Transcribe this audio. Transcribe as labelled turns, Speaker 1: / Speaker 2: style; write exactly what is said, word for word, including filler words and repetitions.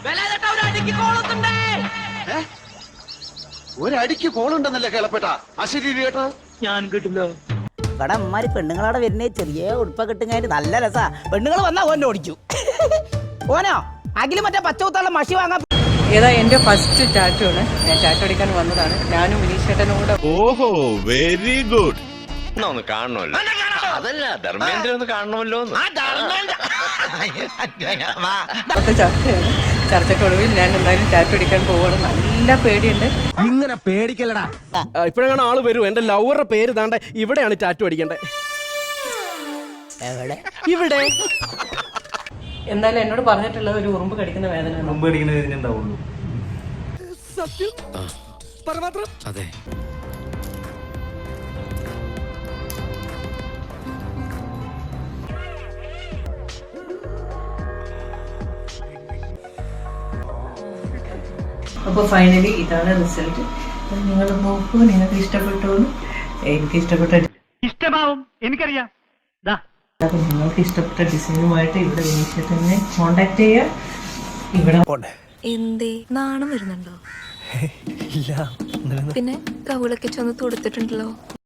Speaker 1: ഒരടിക്ക് കോളുണ്ടെന്നല്ലേ കേളപ്പെട്ട അശരീരി കേട്ടോ
Speaker 2: ഞാൻ കേട്ടില്ല.
Speaker 3: ഇവിടെ അമ്മാര് പെണ്ണുങ്ങളവിടെ വരുന്നേ ചെറിയ ഉടുപ്പൊക്കെ ഇട്ടുങ്ങായിട്ട് നല്ല രസാ. പെണ്ണുങ്ങൾ വന്നാ ഓനെ ഓടിച്ചു. ഓനോ അഖില് മറ്റേ പച്ചകുത്തുള്ള മഷി വാങ്ങാൻ.
Speaker 4: ഏതാ എന്റെ ഫസ്റ്റ് ടാറ്റു ആണ്. ഞാൻ ടാറ്റു അടിക്കാൻ വന്നതാണ്. ഞാനും വിനീഷേട്ടനും കൂടെ. ഓഹോ വെരി ഗുഡ്.
Speaker 5: ഒന്ന് കാണണമല്ലോ. അതല്ല ധർമ്മേന്ദ്ര ഒന്ന് കാണണമല്ലോ.
Speaker 4: ചർച്ചയാണ്. ചർച്ചക്കൊടുവിൽ ഞാൻ എന്തായാലും ടാറ്റു അടിക്കാൻ പോവാണ്. നല്ല പേടിയുണ്ട്.
Speaker 6: ഇങ്ങനെ പേടിക്കലടാ. ഇപ്പോഴാണ് ആള് വരൂ. എന്റെ ലവറുടെ പേര് താണ്ട ഇവിടെയാണ് ടാറ്റു അടിക്കേണ്ടത്. ഇവിടെ
Speaker 4: എന്തായാലും എന്നോട് പറഞ്ഞിട്ടുള്ളത് ഒരു ഉറുമ്പ് കടിക്കുന്ന വേദന.
Speaker 2: മുമ്പ് അടിക്കുന്ന വേദന ഉണ്ടാവുള്ളൂ.
Speaker 6: സത്യം പരമാത്രം.
Speaker 5: അതെ.
Speaker 4: അപ്പോൾ ഫൈനലി ഇതാണ് റിസൾട്ട്. നിങ്ങൾ നോക്കൂ, നിങ്ങൾക്ക് ഇഷ്ടപ്പെട്ടു. എനിക്ക് ഇഷ്ടപ്പെട്ട
Speaker 2: ഇഷ്ടമാവും, എനിക്കറിയാം.
Speaker 4: അപ്പോൾ നിങ്ങൾക്ക് ഇഷ്ടപ്പെട്ട ഡിസൈനുമായിട്ട് ഇവിടെ വിനീഷേട്ടനെ കോണ്ടാക്ട് ചെയ്യുക. ഇവിടെ
Speaker 7: എന്തേ നാണം വരുന്നുണ്ടോ? പിന്നെ കവിളൊക്കെ ചൊന്ന് തൊടുത്തിട്ടുണ്ടല്ലോ.